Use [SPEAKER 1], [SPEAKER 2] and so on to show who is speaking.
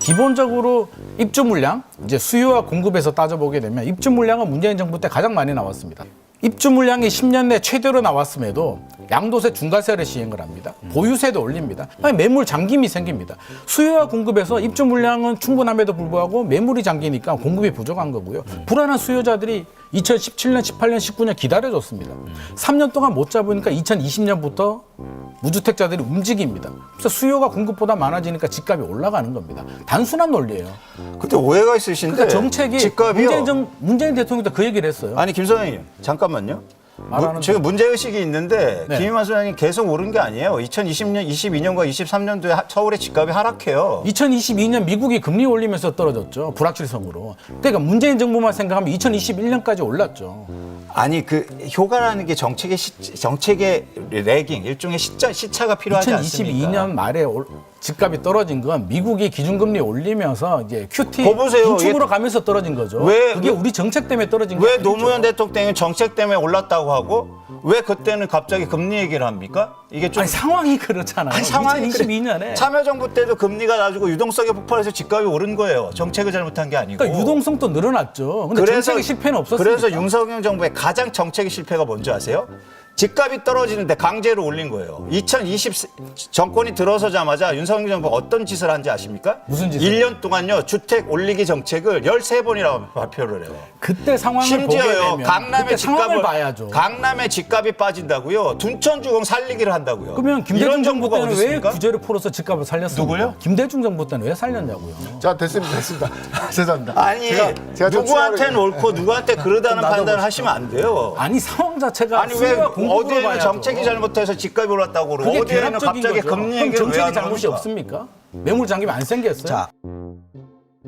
[SPEAKER 1] 기본적으로 입주 물량, 이제 수요와 공급에서 따져보게 되면 입주 물량은 문재인 정부 때 가장 많이 나왔습니다. 입주 물량이 10년 내 최대로 나왔음에도 양도세 중과세를 시행을 합니다. 보유세도 올립니다. 아니, 매물 잠김이 생깁니다. 수요와 공급에서 입주 물량은 충분함에도 불구하고 매물이 잠기니까 공급이 부족한 거고요. 불안한 수요자들이 2017년, 18년, 19년 기다려줬습니다. 3년 동안 못 잡으니까 2020년부터 무주택자들이 움직입니다. 그래서 수요가 공급보다 많아지니까 집값이 올라가는 겁니다. 단순한 논리예요.
[SPEAKER 2] 근데 오해가 있으신데
[SPEAKER 1] 그러니까 정책이
[SPEAKER 2] 집값이요.
[SPEAKER 1] 문재인 대통령도 그 얘기를 했어요.
[SPEAKER 2] 아니 김 소장님 잠깐만요. 지금 문제의식이 있는데
[SPEAKER 1] 네.
[SPEAKER 2] 김희만 소장님 계속 오른 게 아니에요. 2020년, 22년과 23년도에 서울의 집값이 하락해요.
[SPEAKER 1] 2022년 미국이 금리 올리면서 떨어졌죠. 불확실성으로. 그러니까 문재인 정부만 생각하면 2021년까지 올랐죠.
[SPEAKER 2] 아니 그 효과라는 게 정책의 레깅 일종의 시차가 필요하지 않습니까?
[SPEAKER 1] 2022년 말에 집값이 떨어진 건 미국이 기준금리 올리면서 이제 QT 긴축으로 가면서 떨어진 거죠. 그게 우리 정책 때문에 떨어진 거예요.
[SPEAKER 2] 왜 노무현 대통령이 정책 때문에 올랐다고 하고 왜 그때는 갑자기 금리 얘기를 합니까? 이게 좀
[SPEAKER 1] 아니, 상황이 그렇잖아요.
[SPEAKER 2] 아니, 상황이
[SPEAKER 1] 2022년에
[SPEAKER 2] 참여정부 때도 금리가 낮고 유동성이 폭발해서 집값이 오른 거예요. 정책을 잘못한 게 아니고.
[SPEAKER 1] 그러니까 유동성도 늘어났죠. 근데 정책의 실패는 없었으니까.
[SPEAKER 2] 그래서 윤석열 정부의 가장 정책의 실패가 뭔지 아세요? 집값이 떨어지는데 강제로 올린 거예요. 2020 정권이 들어서자마자 윤석열 정부가 어떤 짓을 한지 아십니까?
[SPEAKER 1] 무슨 짓을?
[SPEAKER 2] 1년 동안요. 주택 올리기 정책을 13번이라고 발표를 해요.
[SPEAKER 1] 그때 상황을 보게
[SPEAKER 2] 심지어요.
[SPEAKER 1] 되면
[SPEAKER 2] 강남의
[SPEAKER 1] 그때 상황을 봐야죠.
[SPEAKER 2] 강남의 집값이 빠진다고요. 둔천주공 살리기를 한다고요.
[SPEAKER 1] 그러면 김대중
[SPEAKER 2] 이런
[SPEAKER 1] 정부
[SPEAKER 2] 정부가
[SPEAKER 1] 때는
[SPEAKER 2] 어디
[SPEAKER 1] 왜
[SPEAKER 2] 있습니까?
[SPEAKER 1] 규제를 풀어서 집값을 살렸습니까?
[SPEAKER 2] 누구요?
[SPEAKER 1] 김대중 정부 때는 왜 살렸냐고요.
[SPEAKER 3] 자, 됐습니다. 죄송합니다.
[SPEAKER 2] 아니
[SPEAKER 3] 제가 좀
[SPEAKER 2] 누구한테는 옳고 누구한테 그러다는
[SPEAKER 3] 좀
[SPEAKER 2] 판단을
[SPEAKER 3] 놔둬보시죠.
[SPEAKER 2] 하시면 안 돼요.
[SPEAKER 1] 아니 상황 자체가
[SPEAKER 2] 아니 왜
[SPEAKER 1] 수요와 공급으로
[SPEAKER 2] 어디에는
[SPEAKER 1] 봐야죠.
[SPEAKER 2] 정책이 잘못해서 집값이 올랐다고 그러고
[SPEAKER 1] 그게
[SPEAKER 2] 어디에는
[SPEAKER 1] 결합적인
[SPEAKER 2] 갑자기
[SPEAKER 1] 거죠.
[SPEAKER 2] 금리
[SPEAKER 1] 그럼
[SPEAKER 2] 얘기를 왜
[SPEAKER 1] 정책의
[SPEAKER 2] 하는
[SPEAKER 1] 잘못이
[SPEAKER 2] 겁니까?
[SPEAKER 1] 없습니까? 매물 잠기면 안 생겼어요?
[SPEAKER 2] 자.